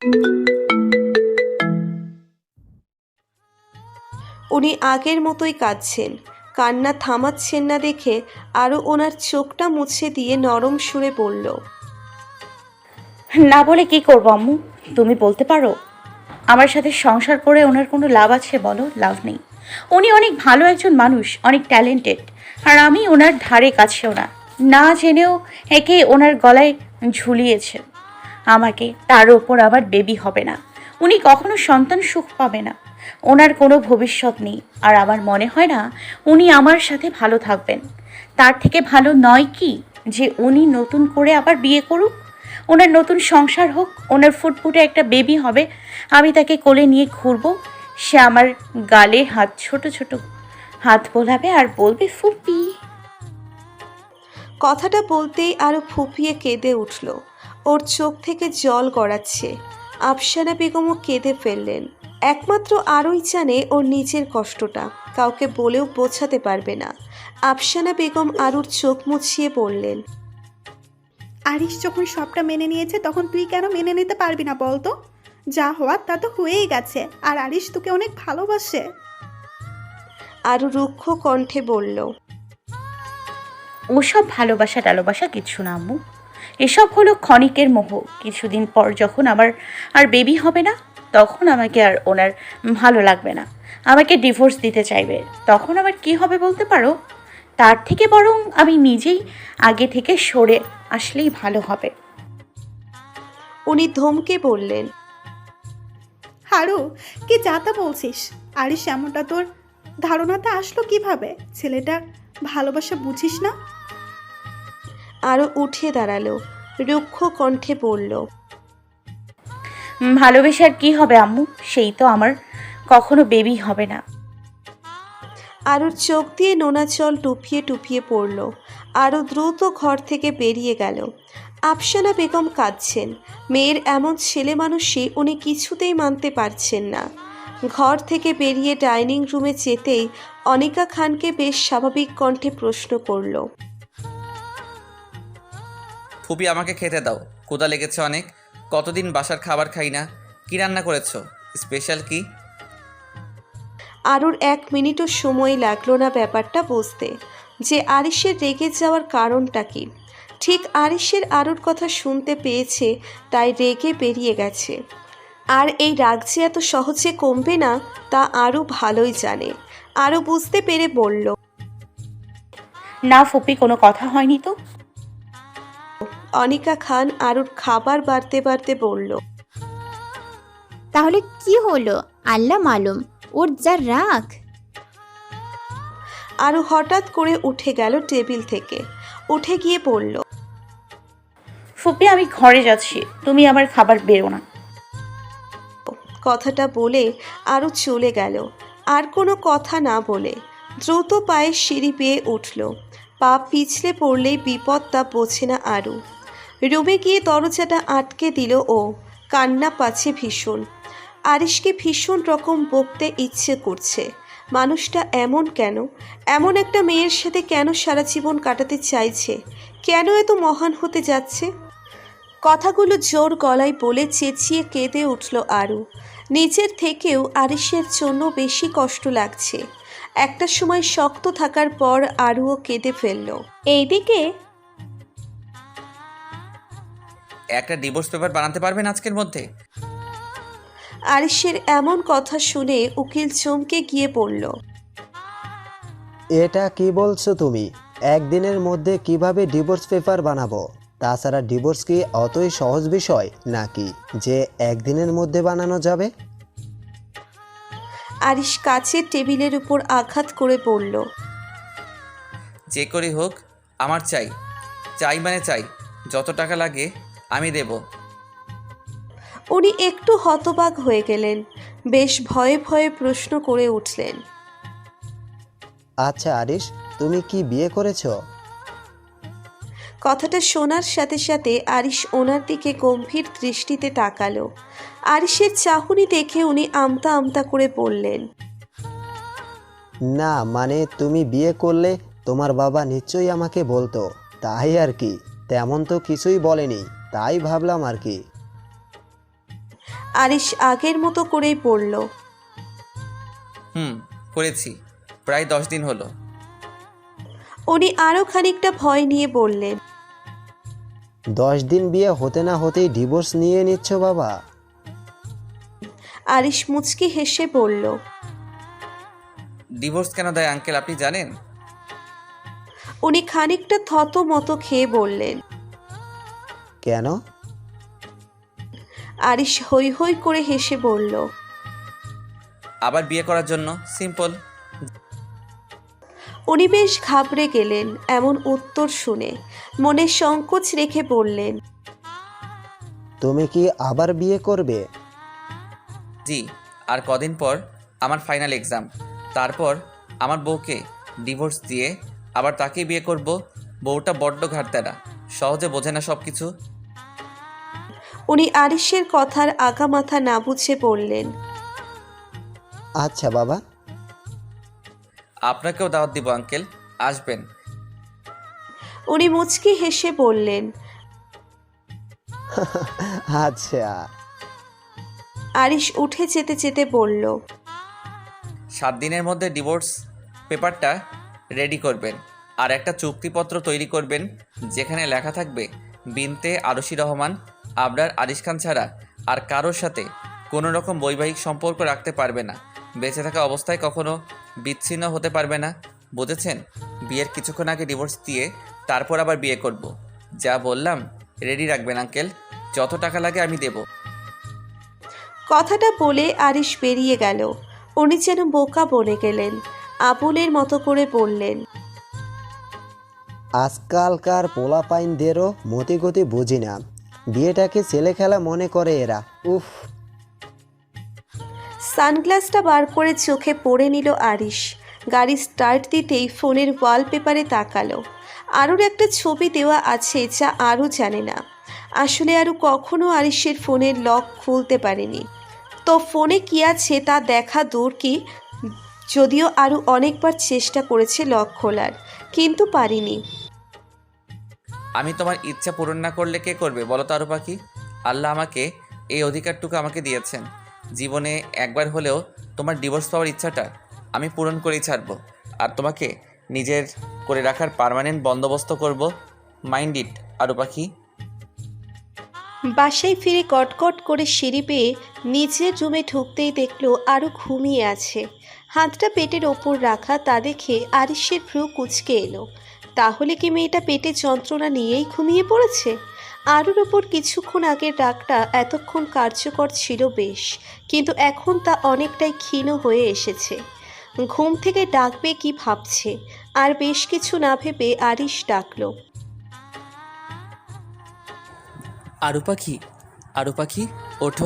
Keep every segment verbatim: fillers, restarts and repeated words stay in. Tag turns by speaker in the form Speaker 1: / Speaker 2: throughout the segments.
Speaker 1: উনি আগের মতোই কাঁদছেন। কান্না থামাচ্ছেন না দেখে আরও ওনার চোখটা মুছে দিয়ে নরম সুরে বলল,
Speaker 2: না বলে কি করবো আম্মু? তুমি বলতে পারো আমার সাথে সংসার করে ওনার কোনো লাভ আছে? বলো, লাভ নেই। উনি অনেক ভালো একজন মানুষ, অনেক ট্যালেন্টেড, আর আমি ওনার ধারে কাছেও না। না জেনেও একে ওনার গলায় ঝুলিয়েছে আমাকে, তার ওপর আবার বেবি হবে না। উনি কখনো সন্তান সুখ পাবে না, ওনার কোনো ভবিষ্যৎ নেই। আর আমার মনে হয় না উনি আমার সাথে ভালো থাকবেন। তার থেকে ভালো নয় কি যে উনি নতুন করে আবার বিয়ে করুক, ওনার নতুন সংসার হোক, ওনার ফুটফুটে একটা বেবি হবে, আমি তাকে কোলে নিয়ে ঘুরবো। সে আমার গালে হাত, ছোট ছোট হাত বোলাবে আর বলবে ফুপি।
Speaker 1: কথাটা বলতেই আরও ফুপিয়ে কেঁদে উঠল। ওর চোখ থেকে জল গড়াচ্ছে। আফসানা বেগমও কেঁদে ফেললেন। একমাত্র আরই জানে ওর নিজের কষ্টটা, কাউকে বলেও বোঝাতে পারবে না। আফসানা বেগম আরুর চোখ মুছিয়ে বললেন,
Speaker 3: আরিশ যখন সবটা মেনে নিয়েছে তখন তুই কেন মেনে নিতে পারবি না বলতো? যা হওয়ার তা তো হয়েই গেছে, আর আরিশ তোকে অনেক ভালোবাসে।
Speaker 1: আরু রুক্ষ কণ্ঠে বলল,
Speaker 2: ওসব ভালোবাসা টালোবাসা কিচ্ছু না আম্মু, এসব হলো ক্ষণিকের মোহ। কিছুদিন পর যখন আমার আর বেবি হবে না, তখন আমাকে আর ওনার ভালো লাগবে না, আমাকে ডিভোর্স দিতে চাইবে। তখন আবার কি হবে বলতে পারো? তার থেকে বরং আমি নিজেই আগে থেকে সরে আসলেই ভালো হবে।
Speaker 1: উনি ধমকে বললেন,
Speaker 3: হারু, কি যাতা বলছিস? আরিশ এমনটা তোর ধারণাতে আসলো কিভাবে? ছেলেটা ভালোবাসা বুঝিস না?
Speaker 1: আরও উঠে দাঁড়ালো, রুক্ষ কণ্ঠে বলল,
Speaker 2: উম, ভালোবেসে আর কি হবে আম্মু? সেই তো আমার কখনো বেবি হবে না।
Speaker 1: আরুর চোখ দিয়ে নোনা জল টুপিয়ে টুপিয়ে পড়ল। আরও দ্রুত ঘর থেকে বেরিয়ে গেল। আফসানা বেগম কাঁদছেন। মেয়ের এমন ছেলে মানুষই উনি কিছুতেই মানতে পারছেন না। ঘর থেকে বেরিয়ে ডাইনিং রুমে যেতেই অনিকা খানকে বেশ স্বাভাবিক কণ্ঠে প্রশ্ন করল,
Speaker 4: ফুপি আমাকে খেতে দাও, ক্ষুধা লেগেছে অনেক। কতদিন বাসার খাবার খাই না। কি রান্না করেছো? স্পেশাল কি?
Speaker 1: আরুর এক মিনিটও সময় লাগলো না ব্যাপারটা বুঝতে, যে আরিশের রেগে যাওয়ার কারণটা কি। ঠিক আরিশের আরুর কথা শুনতে পেয়েছে, তাই রেগে বেরিয়ে গেছে। আর এই রাগ যে এত সহজে কমবে না তা আরও ভালোই জানে। আরও বুঝতে পেরে বলল,
Speaker 2: না ফুপি, কোনো কথা হয়নি তো।
Speaker 1: অনিকা খান আরুর খাবার বাড়তে বাড়তে বলল,
Speaker 5: তাহলে কি হলো? আল্লাহ মালুম, ওর যা রাগ।
Speaker 1: আরও হঠাৎ করে উঠে গেল টেবিল থেকে। উঠে গিয়ে বলল,
Speaker 2: ফুপি আমি ঘরে যাচ্ছি, তুমি আমার খাবার বেরো না।
Speaker 1: কথাটা বলে আরও চলে গেল। আর কোনো কথা না বলে দ্রুত পায়ে সিঁড়ি পেয়ে উঠল। পা পিছলে পড়লেই বিপদ, তা বোঝে না আরু। রুমে গিয়ে দরজাটা আটকে দিল ও। কান্না পাচ্ছে ভীষণ। আরিশকে ভীষণ রকম বকতে ইচ্ছে করছে। মানুষটা এমন কেন? এমন একটা মেয়ের সাথে কেন সারা জীবন কাটাতে চাইছে? কেন এত মহান হতে যাচ্ছে? কথাগুলো জোর গলায় বলে চেঁচিয়ে কেঁদে উঠল আরু। নিজের থেকেও আরিশের জন্য বেশি কষ্ট লাগছে। একটা সময় শক্ত থাকার পর আরুও কেঁদে ফেলল। এইদিকে
Speaker 4: একটা ডিভোর্স পেপার বানাতে পারবেন আজকের মধ্যে?
Speaker 1: আরিশের এমন কথা শুনে উকিল চমকে গিয়ে বলল,
Speaker 6: এটা কি বলছো তুমি? একদিনের মধ্যে কিভাবে ডিভোর্স পেপার বানাবো? তাছাড়া ডিভোর্স কি অতই সহজ বিষয় নাকি যে একদিনের মধ্যে বানানো যাবে?
Speaker 1: আরিশ কাচের টেবিলের উপর আঘাত করে বলল,
Speaker 4: যে করেই হোক আমার চাই। চাই মানে চাই, যত টাকা লাগে আমি দেব।
Speaker 1: উনি একটু হতবাক হয়ে গেলেন। বেশ ভয়ে ভয়ে প্রশ্ন করে উঠলেন,
Speaker 6: আচ্ছা আরিশ, তুমি কি বিয়ে করেছো?
Speaker 1: কথাটা শোনার সাথে সাথে আরিশ ওনার দিকে গম্ভীর দৃষ্টিতে তাকালো। আরিশের চাহনি দেখে উনি আমতা আমতা করে বললেন,
Speaker 6: না মানে তুমি বিয়ে করলে তোমার বাবা নিশ্চয়ই আমাকে বলতো, তাই আর কি। তেমন তো কিছুই বলেনি, তাই ভাবলাম আর কি।
Speaker 1: আরিশ আগের মতো করেই পড়ল।
Speaker 4: হুম, করেছি। প্রায় দশ দিন হলো।
Speaker 1: উনি আরও খানিকটা ভয় নিয়ে বললেন।
Speaker 6: দশ দিন বিয়ে হতে না হতেই ডিভোর্স নিয়ে নিচ্ছ বাবা?
Speaker 1: আরিশ মুচকি হেসে বলল।
Speaker 4: ডিভোর্স কেন দেয় আঙ্কেল আপনি জানেন?
Speaker 1: উনি খানিকটা থত মতো খেয়ে বললেন।
Speaker 6: কেন?
Speaker 1: আরিশ হৈ হৈ করে হেসে বলল।
Speaker 4: আবার বিয়ে করার জন্য, সিম্পল।
Speaker 1: উনি বেশ ঘাবড়ে গেলেন এমন উত্তর শুনে, মনে সংকোচ রেখে বললেন।
Speaker 6: তুমি কি আবার বিয়ে করবে?
Speaker 4: জি, আর কদিন পর আমার ফাইনাল এক্সাম। তারপর আমার বউকে ডিভোর্স দিয়ে আবার তাকেই বিয়ে করব। বউটা বড্ড ঘাটতেরা, সহজে বোঝে না সব কিছু।
Speaker 1: উনি আরিশের কথার আগামাথা না বুঝে বললেন।
Speaker 6: আচ্ছা বাবা।
Speaker 4: আপনাকেও দাওয়াত দিব আঙ্কেল, আসবেন।
Speaker 1: উনি মুচকি হেসে বললেন।
Speaker 6: আচ্ছা।
Speaker 1: আরিশ উঠে যেতে যেতে বলল।
Speaker 4: সাত দিনের মধ্যে ডিভোর্স পেপারটা রেডি করবেন আর একটা চুক্তিপত্র তৈরি করবেন যেখানে লেখা থাকবে বিনতে আরশি রহমান আবরার আরিশ খান ছাড়া আর কারোর সাথে কোনো রকম বৈবাহিক সম্পর্ক রাখতে পারবে না, বেঁচে থাকা অবস্থায় কখনো বিচ্ছিন্ন হতে পারবে না, বুঝেছেন? বিয়ের কিছুক্ষণ আগে ডিভোর্স দিয়ে তারপর আবার বিয়ে করব। যা বললাম রেডি রাখবেন আঙ্কেল, যত টাকা লাগে আমি দেব।
Speaker 1: কথাটা বলে আরিশ বেরিয়ে গেল। উনি যেন বোকা বনে গেলেন, আবুলের মতো করে বললেন।
Speaker 6: আজকালকার পোলাপাইনদেরও মতিগতি বুঝি না, বিয়েটাকে ছেলে খেলা মনে করে এরা। উফ।
Speaker 1: সানগ্লাসটা বার করে চোখে পড়ে নিল আরিশ। গাড়ি স্টার্ট দিতেই ফোনের ওয়ালপেপারে তাকালো। আরুর একটা ছবি দেওয়া আছে যা আরও জানে না। আসলে আরও কখনো আরিশের ফোনের লক খুলতে পারেনি, তো ফোনে কী আছে তা দেখা দূর কি, যদিও আরও অনেকবার চেষ্টা করেছে লক খোলার, কিন্তু পারিনি।
Speaker 4: আমি তোমার ইচ্ছা পূরণ না করলে কে করবে বলো তো আরু পাখি? আল্লাহ আমাকে এই অধিকারটুকু আমাকে দিয়েছেন। জীবনে একবার হলেও তোমার ডিভোর্স পাওয়ার ইচ্ছাটা আমি পূরণ করেই ছাড়বো, আর তোমাকে নিজের করে রাখার পার্মানেন্ট বন্দোবস্ত করব। মাইন্ড ইট আরু পাখি।
Speaker 1: বাসায় ফিরে কটকট করে সিঁড়ি পেয়ে নিচের রুমে ঢুকতেই দেখলো আরও ঘুমিয়ে আছে। হাতটা পেটের ওপর রাখা, তা দেখে আরিশের ভ্রু কুঁচকে এলো। তাহলে কি মেয়েটা পেটে যন্ত্রণা নিয়েই ঘুমিয়ে পড়েছে? আরুর ওপর কিছুক্ষণ আগের রাগটা এতক্ষণ কার্যকর ছিল বেশ, কিন্তু এখন তা অনেকটাই ক্ষীণ হয়ে এসেছে। ঘুম থেকে ডাকবে কি ভাবছে, আর বেশ কিছু না ভেবে আরিশ ডাকলো।
Speaker 4: আরু পাখি, আরু পাখি ওঠো।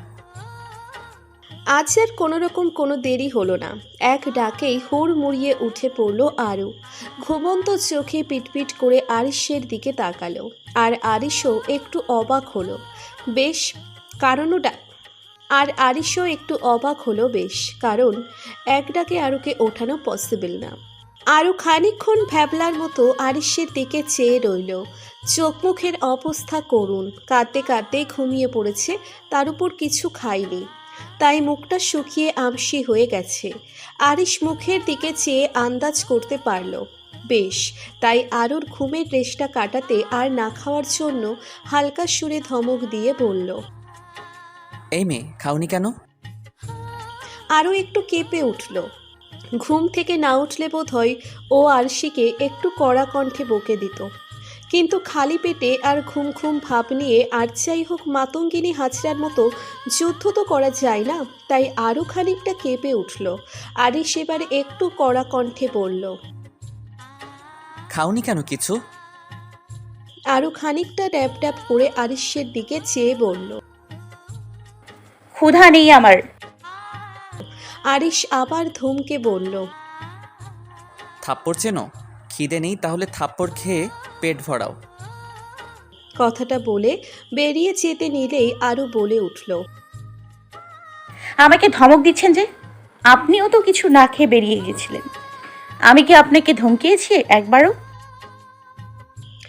Speaker 1: আজ আর কোনো রকম কোনো দেরি হলো না। এক ডাকেই হুড় মুড়িয়ে উঠে পড়ল আরু। ঘুমন্ত চোখে পিটপিট করে আরিশের দিকে তাকালো, আর আরিশও একটু অবাক হলো বেশ কারণও ডা আর আরিশও একটু অবাক হলো বেশ কারণ এক ডাকে আরুকে ওঠানো পসিবল না। আরও খানিকক্ষণ ভ্যাবলার মতো আরিশের দিকে চেয়ে রইল। চোখ মুখের অবস্থা করুণ, কাঁদতে কাঁদতে ঘুমিয়ে পড়েছে, তার উপর কিছু খায়নি, তাই মুখটা শুকিয়ে আমসি হয়ে গেছে। আরিশ মুখের দিকে চেয়ে আন্দাজ করতে পারল বেশ, তাই আরুর ঘুমের রেশটা কাটাতে আর না খাওয়ার জন্য হালকা সুরে ধমক দিয়ে বলল।
Speaker 4: এই মেয়ে খাওনি কেন?
Speaker 1: আরও একটু কেঁপে উঠল। ঘুম থেকে না উঠলে বোধ হয় ও আরশিকে একটু কড়া কণ্ঠে বকে দিত, কিন্তু খালি পেটে আর ঘুম ঘুম ভাব নিয়ে আর যাই হোক মাতঙ্গিনী হাজরার মতো যুদ্ধ তো করা যায় না, তাই আরও খানিকটা কেঁপে উঠল। আরিশ এবারে একটু কড়া কণ্ঠে বলল।
Speaker 4: খাওনি কেন কিছু?
Speaker 1: আরও খানিকটা ড্যাব ড্যাব করে আরিশের দিকে চেয়ে বলল।
Speaker 2: ক্ষুধা নেই আমার।
Speaker 1: আরিশ আবার ধমকে বলল।
Speaker 4: থাপ্পড় চেনো? খিদে নেই তাহলে থাপ্পড় খেয়ে পেট ভরাও।
Speaker 1: কথাটা বলে বেরিয়ে যেতে নিলেই আরও বলে উঠল।
Speaker 2: আমাকে ধমক দিচ্ছেন যে? আপনিও তো কিছু না খেয়ে বেরিয়ে গেছিলেন। আমি কি আপনাকে ধমকিয়েছি একবারও?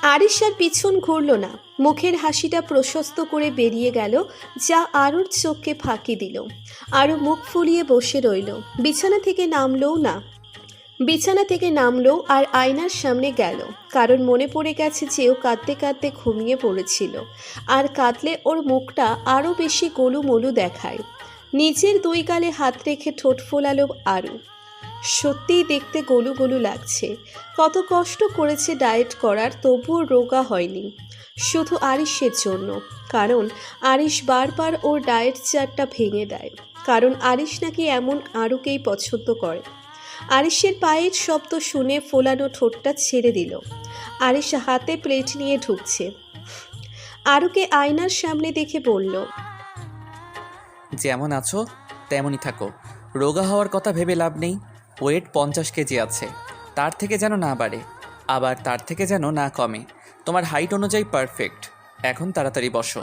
Speaker 1: আরিশ আর পিছন ঘুরল না, মুখের হাসিটা প্রশস্ত করে বেরিয়ে গেল, যা আরুর চোখকে ফাঁকি দিল। আরও মুখ ফুলিয়ে বসে রইল, বিছানা থেকে নামলও না। বিছানা থেকে নামলো আর আয়নার সামনে গেল, কারণ মনে পড়ে গেছে যে ও কাঁদতে কাঁদতে ঘুমিয়ে পড়েছিল, আর কাঁদলে ওর মুখটা আরও বেশি গোলুমলু দেখায়। নিজের দুই গালে হাত রেখে ঠোঁট ফোলালো আরু। সত্যিই দেখতে গোলু গোলু লাগছে। কত কষ্ট করেছে ডায়েট করার, তবুও রোগা হয়নি, শুধু আরিশের জন্য। কারণ আরিশ বারবার ওর ডায়েট চার্টটা ভেঙে দেয়, কারণ আরিশ নাকি এমন আরুকেই পছন্দ করে। আরিশের পায়ের শব্দ শুনে ফোলানো ঠোঁটটা ছেড়ে দিল। আরিশ হাতে প্লেট নিয়ে ঢুকছে। আরুকে আয়নার সামনে দেখে বলল,
Speaker 4: যেমন আছো তেমনই থাকো, রোগা হওয়ার কথা ভেবে লাভ নেই। ওয়েট পঞ্চাশ কেজি আছে, তার থেকে যেন না বাড়ে, আবার তার থেকে যেন না কমে। তোমার হাইট অনুযায়ী পারফেক্ট। এখন তাড়াতাড়ি বসো।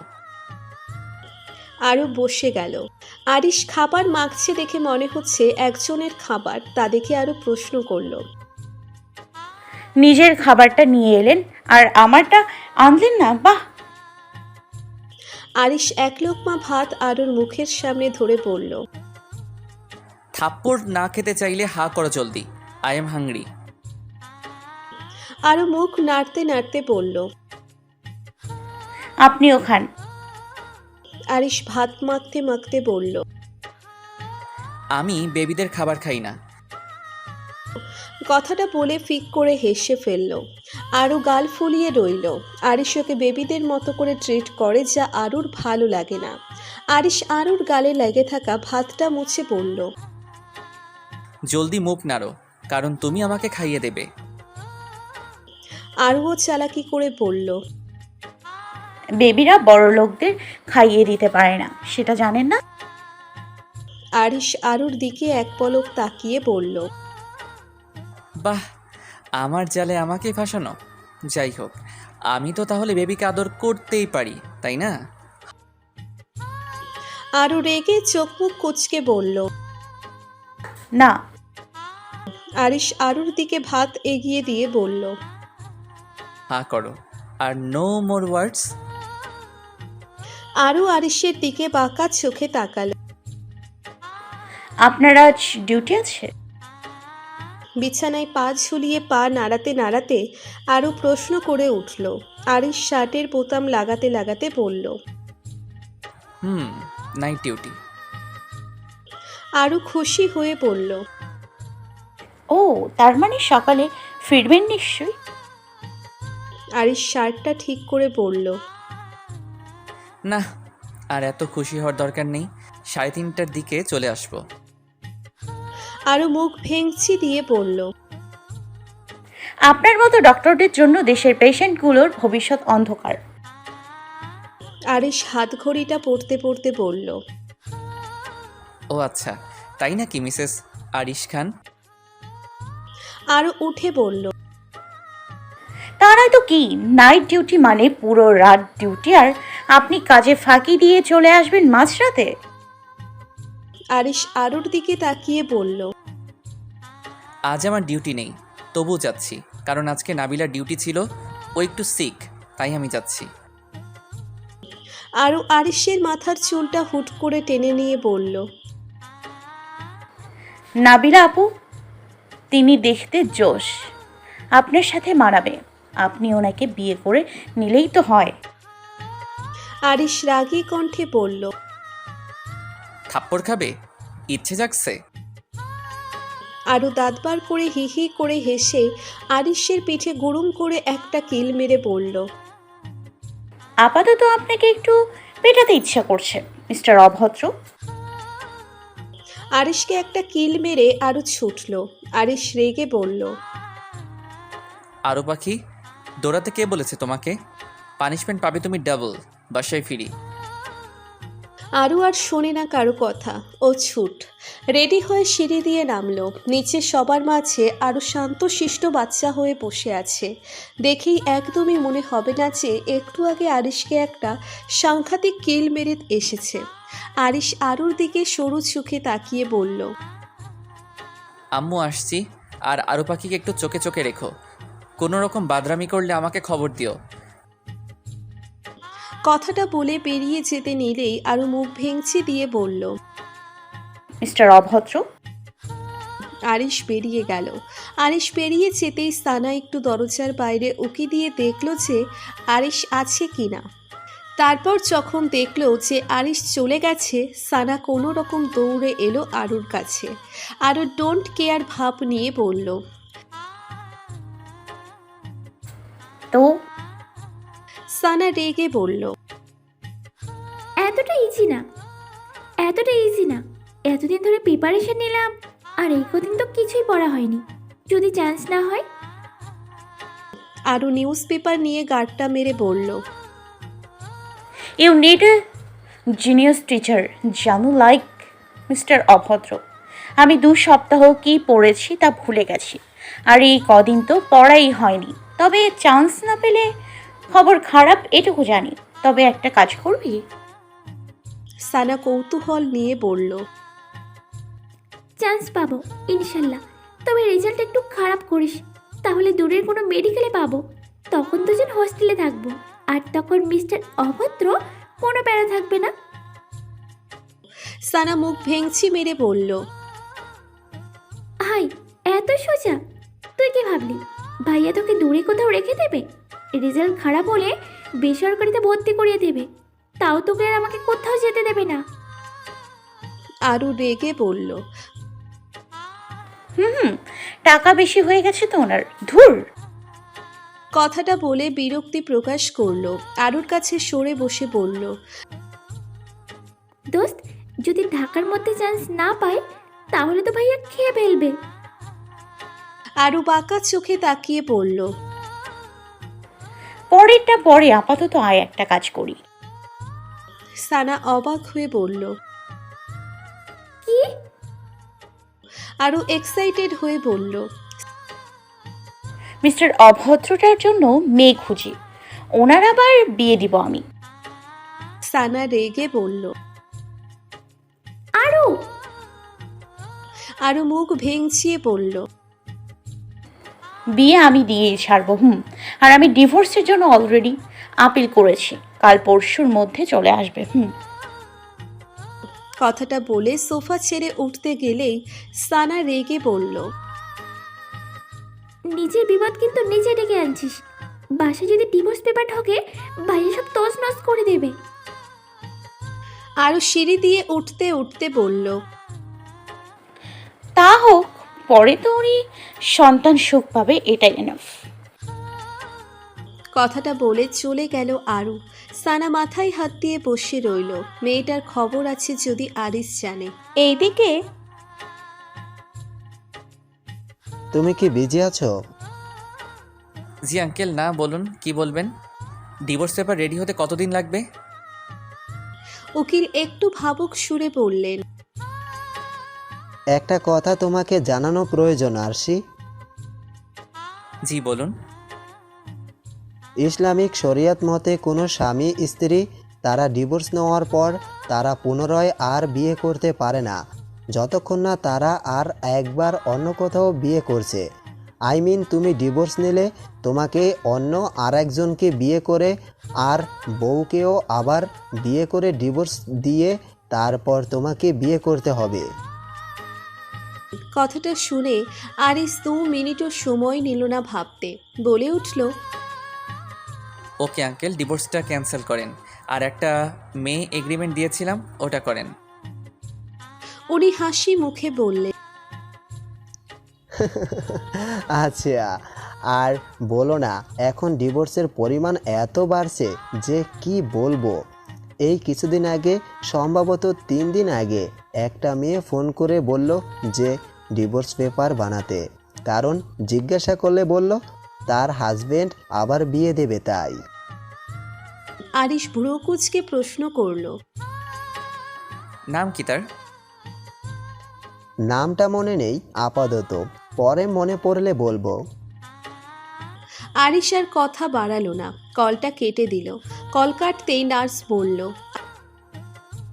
Speaker 1: আরু বসে গেল। আরিশ খাবার মাখছে দেখে মনে হচ্ছে একজনের খাবার, তা দেখে আরু প্রশ্ন করল,
Speaker 2: নিজের খাবারটা নিয়ে এলেন আর আমারটা আনলেন না? বাহ।
Speaker 1: আরিশ এক লোকমা ভাত আরুর মুখের সামনে ধরে বলল,
Speaker 4: থাপ্পড় না খেতে চাইলে হা করো জলদি, আই এম হাংরি।
Speaker 1: আরু মুখ নাড়তে নাড়তে বলল,
Speaker 2: আপনিও খান।
Speaker 1: আরিশ ভাত মাখতে মাখতে বলল,
Speaker 4: আমি বেবিদের খাবার খাই না।
Speaker 1: কথাটা বলে ফিক করে হেসে ফেলল। আরু গাল ফুলিয়ে রইল। আরিশ ওকে বেবিদের মতো করে ট্রিট করে, যা আরুর ভালো লাগে না। আরিশ আরুর গালে লেগে থাকা ভাতটা মুছে বলল,
Speaker 4: জলদি মুখ নাড়ো, কারণ তুমি আমাকে খাইয়ে দেবে।
Speaker 1: আরুও চালাকি করে বলল,
Speaker 2: বেবিরা বড় লোকদের খাইয়ে দিতে পারে না, সেটা জানেন না?
Speaker 1: আরিশ আরুর দিকে এক পলক তাকিয়ে বলল,
Speaker 4: বাহ, আমার জালে আমাকে ফাঁসানো। যাই হোক, আমি তো তাহলে বেবিকে আদর করতেই পারি, তাই না?
Speaker 1: আরু রেগে চোখ মুখ কুচকে বলল।
Speaker 2: না।
Speaker 1: আরিশ আরুর দিকে ভাত এগিয়ে দিয়ে বলল,
Speaker 4: হা করো, আর নো মোর ওয়ার্ডস।
Speaker 1: আরু আরিশের দিকে বাঁকা চোখে তাকালো।
Speaker 2: আপনার আজ ডিউটি আছে?
Speaker 1: বিছানায় পা ঝুলিয়ে পা নাড়াতে নাড়াতে আরু প্রশ্ন করে উঠল। আরিশ শার্টের বোতাম লাগাতে লাগাতে বলল,
Speaker 4: হুম, নাইট ডিউটি।
Speaker 1: আরু খুশি হয়ে বলল,
Speaker 2: ও, তার মানে সকালে ফিরবেন নিশ্চয়ই।
Speaker 1: আরিশ শার্টটা ঠিক করে বলল,
Speaker 4: না, আর এত খুশি হওয়ার দরকার নেই। সাড়ে তিনটার দিকে চলে আসবো।
Speaker 1: আরু মুখ ভেঙচি দিয়ে বলল,
Speaker 2: আপনার মতো ডক্টরদের জন্য দেশের পেশেন্টগুলোর ভবিষ্যৎ অন্ধকার।
Speaker 1: আরিশ হাত ঘড়িটা পড়তে পড়তে বলল,
Speaker 4: ও আচ্ছা, তাই নাকি মিসেস আরিশ খান?
Speaker 1: আরু উঠে বলল,
Speaker 2: তারাই তো কি, নাইট ডিউটি মানে পুরো রাত ডিউটি, আর আপনি কাজে ফাঁকি দিয়ে চলে আসবেন মাঝরাতে।
Speaker 1: আরিশ আরুর দিকে তাকিয়ে বলল,
Speaker 4: আজ আমার ডিউটি নেই, তবু যাচ্ছি, কারণ আজকে নাবিলার ডিউটি ছিল। ও একটু সিক, তাই আমি যাচ্ছি।
Speaker 1: আরু আরিশের মাথার চুলটা হুট করে টেনে নিয়ে বলল,
Speaker 2: নাবিলা আপু, তিনি দেখতে জোশ, আপনার সাথে মানাবে। আপনি ওনাকে বিয়ে করে নিলেই তো হয়।
Speaker 1: আরিশ রাগী কণ্ঠে বলল,
Speaker 4: থাপ্পড় খাবে? ইচ্ছে জাগছে?
Speaker 1: আরু দাঁত বার করে হি হি করে হেসে আরিশের পিঠে গুড়ুম করে একটা কিল মেরে বলল,
Speaker 2: আপাতত আপনাকে একটু পেটাতে ইচ্ছা করছে, মিস্টার অভদ্র।
Speaker 1: আরিশকে একটা কিল মেরে আরু ছুটল। আরিশ রেগে বলল,
Speaker 4: আরও পাখি, দৌড়াতে কে বলেছে তোমাকে? পানিশমেন্ট পাবে তুমি ডাবল। বাসায় ফিরি।
Speaker 1: আরু আর শোনে না কারো কথা, ও ছুট রেডি হয়ে সিঁড়ি দিয়ে নামলো। নিচে সবার মাঝে আরু শান্তশিষ্ট বাচ্চা হয়ে বসে আছে। দেখেই একদমই মনে হবে না যে একটু আগে আরিশকে একটা সাংঘাতিক কিল মেরে এসেছে। আরিশ আরুর দিকে সরু চোখে তাকিয়ে বলল,
Speaker 4: আম্মু আসছি, আর আরও পাখিকে একটু চোখে চোখে রেখো। কোনো রকম বাদরামি করলে আমাকে খবর দিও।
Speaker 1: কথাটা বলে বেরিয়ে যেতে নিলেই আরও মুখ ভেঙচি দিয়ে বলল।
Speaker 2: মিস্টার অভদ্র।
Speaker 1: আরিশ বেরিয়ে গেল। আরিশ বেরিয়ে যেতেই সানা একটু দরজার বাইরে উকি দিয়ে দেখলো যে আরিশ আছে কিনা। তারপর যখন দেখলো যে আরিশ চলে গেছে, সানা কোনো রকম দৌড়ে এলো আরুর কাছে। আরু ডোন্ট কেয়ার ভাব নিয়ে বলল।
Speaker 2: তো
Speaker 1: সানা রেগে বলল।
Speaker 7: এতটা ইজি না, এতটা ইজি না। এতদিন ধরে প্রিপারেশন নিলাম, আর এই কদিন তো কিছুই পড়া হয়নি। যদি চান্স না হয়?
Speaker 1: আরু নিউজ পেপার নিয়ে গার্ডটা মেরে বলল।
Speaker 2: You need a genius teacher জানো, লাইক মিস্টার অভদ্র। আমি দু সপ্তাহ কি পড়েছি তা ভুলে গেছি, আর এই কদিন তো পড়াই হয়নি। তবে চান্স না পেলে খবর খারাপ এটুকু জানি। তবে একটা কাজ করবি?
Speaker 1: সানা কৌতূহল নিয়ে বলল।
Speaker 7: চান্স পাবো ইনশাল্লাহ, তবে রেজাল্ট একটু খারাপ করিস, তাহলে দূরের কোনো মেডিকেলে পাবো। তখন দুজন হোস্টেলে থাকবো, আর তখন মিস্টার অভদ্র কোনো প্যারা থাকবে না।
Speaker 1: সানা মুখ ভেঙচি মেরে বলল।
Speaker 7: হাই, এত সোজা? তুই কি ভাবলি ভাইয়া তোকে দূরে কোথাও রেখে দেবে? রেজাল্ট খারাপ হলে বেসরকারিতে ভর্তি করিয়ে দেবে, তাও তোকে আর আমাকে কোথাও যেতে দেবে না।
Speaker 1: আরু রেগে বলল।
Speaker 2: হুম হুম টাকা বেশি হয়ে গেছে তো ওনার, ধুর।
Speaker 1: কথাটা বলে বিরক্তি প্রকাশ করলো। আরুর কাছে সরে বসে বলল।
Speaker 7: দোস্ত, যদি ঢাকার মধ্যে চান্স না পাই তাহলে তো ভাইয়া খেয়ে ফেলবে।
Speaker 1: আরু বাঁকা চোখে তাকিয়ে বলল।
Speaker 2: পরেরটা পরে, আপাতত আয় একটা কাজ করি।
Speaker 1: সানা অবাক হয়ে বলল।
Speaker 7: কি?
Speaker 1: আরু এক্সাইটেড হয়ে বলল।
Speaker 2: মিস্টার অভদ্রটার জন্য মেয়ে খুঁজি, ওনার আবার বিয়ে দিব আমি।
Speaker 1: সানা রেগে বলল।
Speaker 7: আরু
Speaker 1: আরু মুখ ভেঙচিয়ে বলল।
Speaker 2: বিয়ে আমি দিয়েই ছাড়বো। হুম আর আমি ডিভোর্সের জন্য অলরেডি আপিল করেছি, কাল পরশুর মধ্যে চলে আসবে। হুম
Speaker 1: কথাটা বলে সোফা ছেড়ে উঠতে গেলেই সানা রেগে বলল।
Speaker 7: নিজের বিপদ কিন্তু নিজে ডেকে আনছিস। বাসায় যদি ডিভোর্স পেপার ঢোকে, ভাইয়া সব তছ নছ করে দেবে।
Speaker 1: আরু সিঁড়ি দিয়ে উঠতে উঠতে বলল।
Speaker 2: তা হোক, পরে তো উনি সন্তান সুখ পাবে, এটাই এনাফ।
Speaker 1: কথাটা বলে চলে গেল আরু। সানা মাথায় হাত দিয়ে বসে রইল। মেয়েটার খবর আছে যদি আরিস জানে। এইদিকে
Speaker 6: তুমি কি বিজি আছো?
Speaker 4: জি আঙ্কেল, না বলুন কি বলবেন। ডিভোর্স পেপার রেডি হতে কতদিন লাগবে?
Speaker 1: উকিল একটু ভাবুক সুরে বললেন।
Speaker 6: একটা কথা তোমাকে জানানো প্রয়োজন আরশি।
Speaker 4: জি বলুন।
Speaker 6: ইসলামিক শরিয়ত মতে কোনো স্বামী স্ত্রী তারা ডিভোর্স নেওয়ার পর তারা পুনরায় আর বিয়ে করতে পারে না, যতক্ষণ না তারা আর একবার অন্য কোথাও বিয়ে করছে। আই মিন তুমি ডিভোর্স নিলে তোমাকে অন্য আর একজনকে বিয়ে করে আর বউকেও আবার বিয়ে করে ডিভোর্স দিয়ে তারপর তোমাকে বিয়ে করতে হবে।
Speaker 1: কথাটা শুনে আরিস দু মিনিটও সময় নিল না ভাবতে, বলে উঠল।
Speaker 4: ওকে আঙ্কেল, ডিভোর্সটা ক্যান্সেল করেন, আর একটা মেয়ে এগ্রিমেন্ট দিয়েছিলাম ওটা করেন।
Speaker 1: উনি হাসি মুখে বললেন।
Speaker 6: আচ্ছা, আর বলো না, এখন ডিভোর্সের পরিমাণ এত বাড়ছে যে কি বলবো। এই কিছুদিন আগে, সম্ভবত তিন দিন আগে, একটা মেয়ে ফোন করে বলল যে ডিভোর্স পেপার বানাতে, কারণ জিজ্ঞাসা করলে বলল তার হাজবেন্ড আবার বিয়ে দেবে তাই।
Speaker 1: আরিস ভ্রু কুঁচকে প্রশ্ন করল।
Speaker 4: নাম কি তার?
Speaker 6: নামটা মনে নেই আপাতত, পরে মনে পড়লে বলবো।
Speaker 1: আরিস আর কথা বাড়ালো না, কলটা কেটে দিল। কল কাটতেই নার্স বলল।